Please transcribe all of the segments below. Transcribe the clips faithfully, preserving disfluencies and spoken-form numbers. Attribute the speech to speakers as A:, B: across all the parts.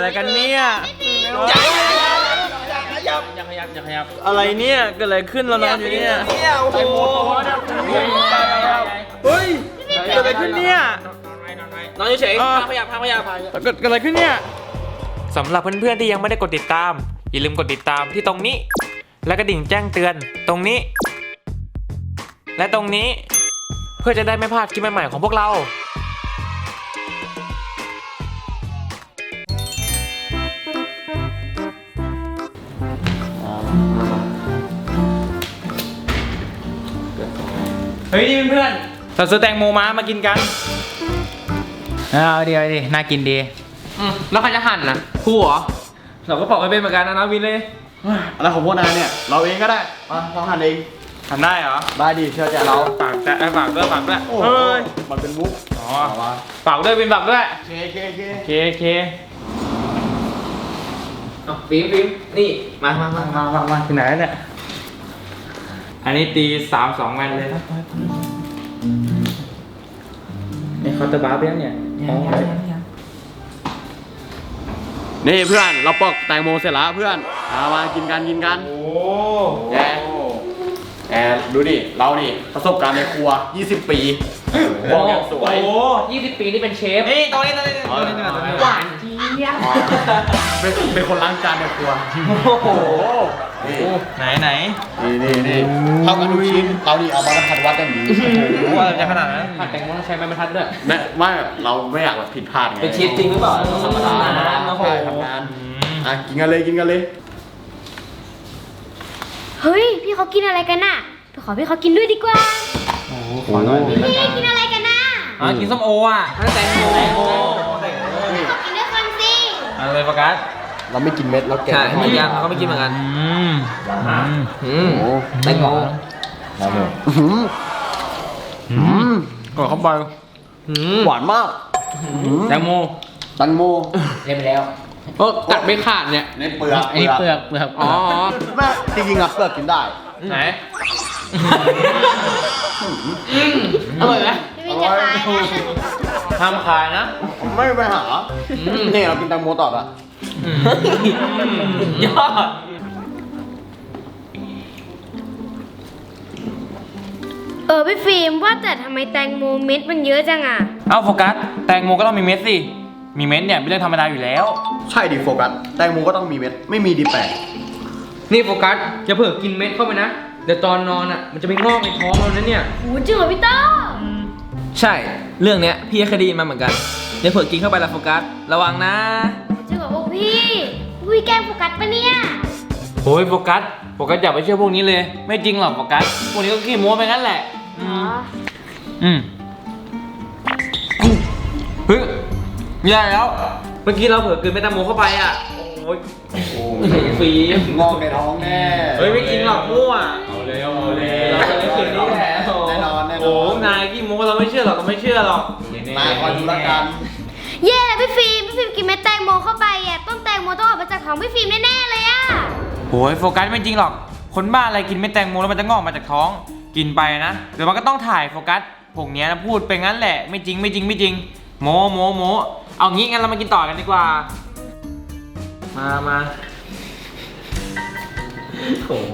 A: อะไรกันเนี่ย
B: อย่าขยับอย่าขยับอย่าขยับ
A: อะไรเนี่ยเกิดอะไรขึ้นเรานอนอยู่เนี่ย
B: โอ้โห
A: เฮ้ยเกิดอะไรขึ้นเนี่ย
B: นอนเฉยๆขยับขยับ
A: เกิดอะไรขึ้นเนี่ย
C: สำหรับเพื่อนๆที่ยังไม่ได้กดติดตามอย่าลืมกดติดตามที่ตรงนี้และกระดิ่งแจ้งเตือนตรงนี้และตรงนี้เพื่อจะได้ไม่พลาดคลิปใหม่ๆของพวกเรา
A: เฮ้ยนี่เพื่อนๆเราซื้อแตงโมมามากินกัน
B: เอาดีเอาดีน่ากินดีแล้วใครจะหั่นนะครูเหรอ
A: เราก็ปอกไปเป็นเหมือนกันนะนะวินเลย
D: อะไรของพวกนายเนี่ยเราเองก็ได้มาเราหั่นเอง
A: ทำได้เหรอ
D: ได้ดิเชื่อใจเรา
A: ฝากแต่ฝากด้วยฝากด้วย
D: เฮ้ยมันเป็นมุก
A: อ๋อฝากด้วยวินฝากด้วย
D: เคเคเค
A: เคเค
B: เอาฟิล์มฟิล์มนี่มามามา
A: มามามาที่ไหนเนี่ยอันนี้ตีสามสองแมนเลยนี่เขาตะบ้าไปแล้วเนี่ย
D: นี่เพื่อนเราปอกแตงโมเสร็จแล้วเพื่อนมามากินกันกินกัน
A: โอ้
D: แย่แอบดูดิเรานี่ประสบการณ์ในครัวยี่สิบปีบอกอย่างสวย
B: โอ้ยี่สิบปีนี่เป็นเชฟ
A: นี่ตรงนี้ตรงนี้ตรงนี้ตรงนี้
B: หวานเจี๊ยบ
D: เป็นเป็นคนล้างจานในครัว
A: โอ้โห
D: นี่
A: ไหนไหน
D: นี่นี่นี่เท่ากันทุกชิ้นเรานี่เอามาผัดวัดกันนี้
A: โอ้โหอะไรจะขนาดนั้น
B: ผัดแตงโมต้องใช้ไม้บรรทัดด้วย
D: แม่ไม่เราไม่อยากแบบผิดพลาดไง
B: เป็นชีสจริงหรือเปล่าธรรมดา
D: ใช่ทำงานอ่ะกินกันเลยกินกันเลย
E: เฮ้ยพี่เขากินอะไรกันน่ะไปขอพี่เขากินด้วยดีกว่า
A: โอ้ขอหน่อยพี่
E: กินอะไรกันน่ะ
A: อ่ะกินส้มโออ่ะ
B: แตงโมแตงโม
E: พี่เขากินด้วยคนสิ
A: อะไรโฟกัส
D: เราไม่กินเม็ดเราแกะ
B: ใช่ไม่ยังเขาไม่กินเหมือนกัน
A: อืม
B: อืมแตงโม
D: น้ำหมดอืม
A: กดเข้าไป
D: หวานมาก
A: แตงโม
D: แตงโม
B: เล่นไปแล้วโอ้กัดไม่ขาดเนี่ย
D: ในเปลือก
B: อันนี้เปลือกเปลือกอ๋อ
D: แม่จริงๆอะเปลือกกินได้
A: ไหน
B: อร่อยไหม
E: พี่จะขายนะ
A: ห้ามขายนะ
D: ไม่ไปหาเนี่ยเรากินแตงโมต่อละ
B: ยอด
E: เออพี่ฟิล์มว่าแต่ทำไมแตงโมเม็ดมันเยอะจังอ่ะ
A: เอ้าโฟกัสแตงโมก็ต้องมีเม็ดสิมีเม็ดเนี่ยเป็นเรื่องธรรมดาอยู่แล้ว
D: ใช่ดิโฟกัสแตงโมก็ต้องมีเม็ดไม่มีดีแปลก
B: นี่โฟกัสอย่าเพิ่งกินเม็ดเข้าไปนะเดี๋ยวตอนนอนอ่ะมันจะไปงอกในท้องเรานะเนี่ย
E: โหจริงเหรอพี่ต้อ
B: ใช่เรื่องเนี้ยพี่เคยได้ยินมาเหมือนกันอย่าเพิ่งกินเข้าไปละโฟกัสระวังนะ
E: จริงเหรอพวกพี่พี่แกล้งโฟกัสปะเนี่ย
A: โอ้ยโฟกัสโฟกัสอย่าไปเชื่อพวกนี้เลยไม่จริงหรอกโฟกัสพวกนี้ก็ขี้โม้ไปงั้นแหละ
E: อ๋อ
A: อืมเฮ้ยไม่ได้แล้ว
B: เมื่อกี้เราเผลอกินเมตาโมเข้าไปอ่ะโอ้ยฟรี
D: งอกในท้องแน่
A: เฮ้ยไม่จริงหรอกมั่วเอาเลยเอาเลยเราจะไม่เชื่อนี่แหละ
D: แน่นอนแน่นอน
A: โอ้นายขี้โม้เราไม่เชื่อหรอกก็ไม่เชื่อหรอก
D: นายคอยดูละกัน
E: เย่พี่ฟิล์มพี่ฟิล์มกินเม็ดแตงโมเข้าไปอ่ะต้นแตงโมต้องออกมาจากท้องพี่ฟิล์มแน่ๆเลยอ่ะ
A: โอ้ยโฟกัสไม่จริงหรอกคนบ้าอะไรกินเม็ดแตงโมแล้วมันจะงอกมาจากท้องกินไปนะเดี๋ยวมันก็ต้องถ่ายโฟกัสพวกนี้นะพูดไปงั้นแหละไม่จริงไม่จริงไม่จริงโมโมโมเอางี้งั้นเรามากินต่อกันดีกว่ามามา
B: โอ้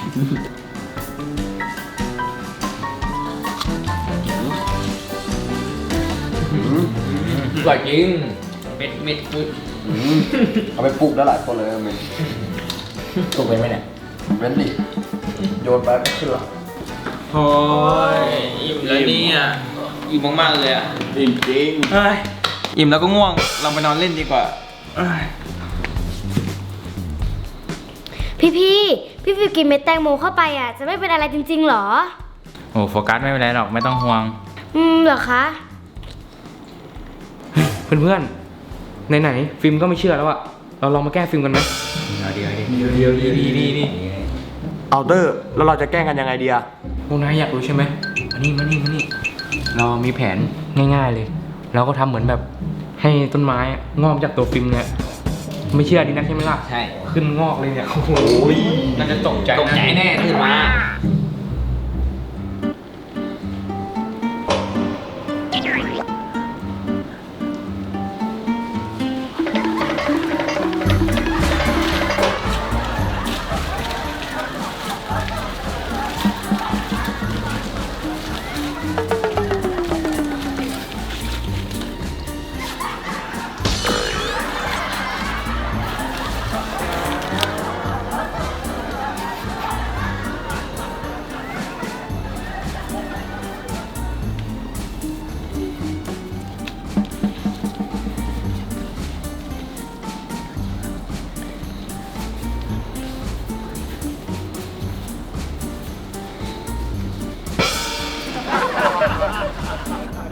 B: อร่อยจริงเม็ดเม็ดปุ๊บ
D: เอาไปปลูกได้หลายคนเลยมัน
B: ปลูกเป็นไหมเนี่ย
D: เป็นดิโยนไปก็ขึ้นละ
A: โอ้ยอิ่มแล้วเนี่ยอิ่มมากๆเลยอ่ะ
D: จริงจริง
A: อิ่มแล้วก็ง่วงเราไปนอนเล่นดีกว่า
E: พี่พี่พี่ฟิวกินเม็ดแตงโมเข้าไปอ่ะจะไม่เป็นอะไรจริงๆหรอ
A: โอ้โฟกัสไม่เป็นไรหรอกไม่ต้องห่วง
E: อืมเหรอคะ
B: เพื่อนๆไหนๆฟิล์มก็ไม่เชื่อแล้วอะเราลองมาแก้ฟิล์มกันไหมเดี๋ยวเดี๋ยว
A: เดี๋ยวดีดีดีดี
D: เอาเตอร์แล้วเราจะแก้กันยังไงดีอะ
B: พวกนายอยากรู้ใช่ไหมมานี่มานี่มานี่เรามีแผนง่ายๆเลยเราก็ทำเหมือนแบบให้ต้นไม้งอกจากตัวฟิล์มเนี่ยไม่เชื่อดีนักใช่ไหมล่ะใช่ขึ้นงอกเลยเนี่ยโอ้โหน่าจะตกใจตกใจแน่ขึ้นมา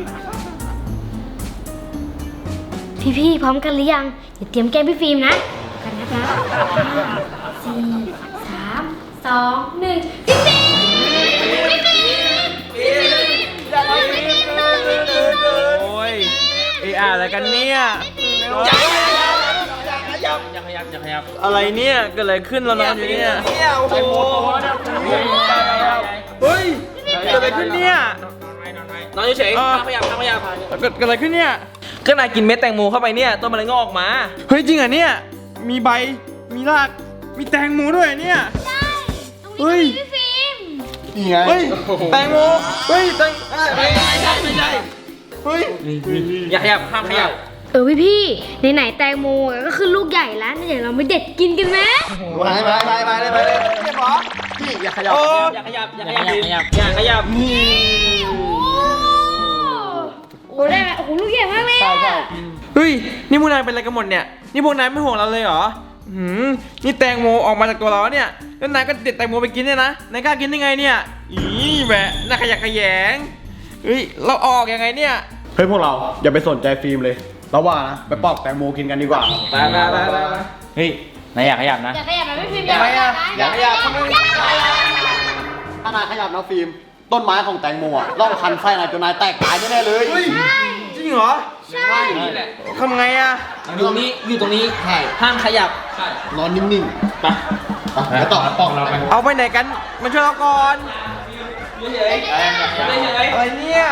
E: พี่ๆพร้อมกันหรือยังเดี๋ยวเตรียมแกล้งพี่ฟิล์มนะกันนะคะห้าสี่สามสองหนึ่งพี่ฟิล์มพี่ฟิล์มพี่ฟิล์มอย่าไปพี่ฟิล์มนะพี่ฟิล์มนะ
A: โอ้ยไอ้อะไรกันเนี่ยอะไรเนี่ยเกิดอะไรขึ้นเรานอนอยู่เนี่ยโอ้โหเฮ้ยเกิดอะไรขึ้นเนี่ย
C: นอนเฉยๆห้ามขยับห้ามขยับ
A: เกิดเกิดอะไรขึ้นเนี่ย
C: ก็นายกินเม็ดแตงโมเข้าไปเนี่ยต้นมันเลยงอกออกมา
A: เฮ้ยจริงเหรอเนี่ยมีใบมีรากมีแตงโมด้วยเนี่ย
E: ใช่ตรงนี้ก็มีพี่ฟิล์ม
D: นี่ไง
A: เฮ้ยแตงโมเฮ้ยแตง
C: ไม่ใช่ไม่ใช่ไม่ใช่
A: เฮ้ย
C: อย่าขยับห้ามขยับ
E: เออพี่พี่ไหนๆแตงโมก็คือลูกใหญ่แล้วเดี๋ยวเราไปเด็ดกินกันไหม
D: ไปไปไปไปเลยไปเลยเรียบร้อยพี่อย่าขยับ
A: โอ้
C: อย่าขยับอย่าขยับอย่าขยับอย่าขยับ
E: โอ้โหได้โอ้โหลูกใหญ่มากเลย
D: ใช่ใช่
A: เฮ้ยนี่พวกนายเป็นอะไรกันหมดเนี่ยนี่พวกนายไม่ห่วงเราเลยเหรอหืมนี่แตงโมออกมาจากตัวเราเนี่ยแล้วนายก็เด็ดแตงโมไปกินเนี่ยนะนายกล้ากินได้ไงเนี่ยอีแหวะน่าขยะแขยงเฮ้ยเราออกยังไงเนี่ย
D: เฮ้ยพวกเราอย่าไปสนใจฟิล์มเลยเราว่านะไปปอกแตงโมกินกันดีกว่า
A: ไปไปไปไป
B: เฮ้ยนายอยากขยับนะ
E: อย่าขยับนะพี่ฟิล์มอย่าขยับนะ
D: อย่าขยับทำไมถ้านายขยับนะฟิล์มต้นไม้ของแตงโมอ่ะต้องคันไส้นายจนนายแตกตายแน่ๆเลย
A: จริงเหรอ
E: ใช่
A: ทำไงอะ
C: อยู่นี้อยู่ตรงนี้
D: ใช่
C: ห้ามขยับ
D: นอนนิ่งๆไปไปไปต่อปอกเราไป
A: เอาไปไหนกันมาช่วยเราก่อน
C: เฉยๆเฉย
A: อะไรเนี่ย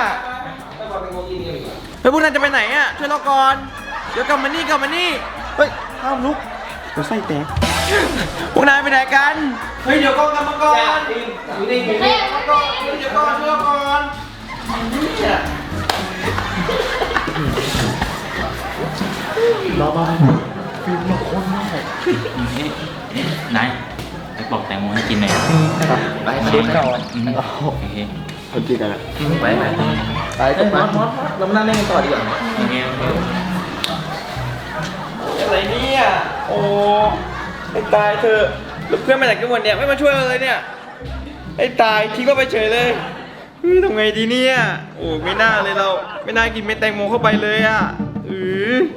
A: เฮ้ยพวกนายจะไปไหนอะช่วยเราก่อนเดี๋ยวกลับมานี่กลับมานี่เฮ้ยห้ามลุกเดี๋ยวไส้แตกพวกนายไปไหนกันเฮ้ยเดี๋ยวก่อนกลับมาก่อน
C: อยู่นี่อยู่
E: ข
C: นี่
E: ยับนะ
A: ก่อนเดี๋ยวก่อนช่วยเราก่อนเนี่ย
B: นายไปปอกแตงโมให้กินหน่อย
D: ไปเช็คก่อน
B: อืมโอเค
D: คนจีกันอ่ะ
B: ไปไป
D: ไปจบไป
C: เรามานั่งเล่นกันต่อดีกว่า
B: โอเคโอเค
A: อะไรเนี่ยโอ้ไอ้ตายเธอะแล้วเพื่อนมาจากจังหวัดเนี่ยไม่มาช่วยเราเลยเนี่ยไอ้ตายทิ้งเราไปเฉยเลยเฮ้ยทำไงดีเนี่ยโอ้ไม่น่าเลยเราไม่น่ากินเม็ดแตงโมเข้าไปเลยอ่ะเออ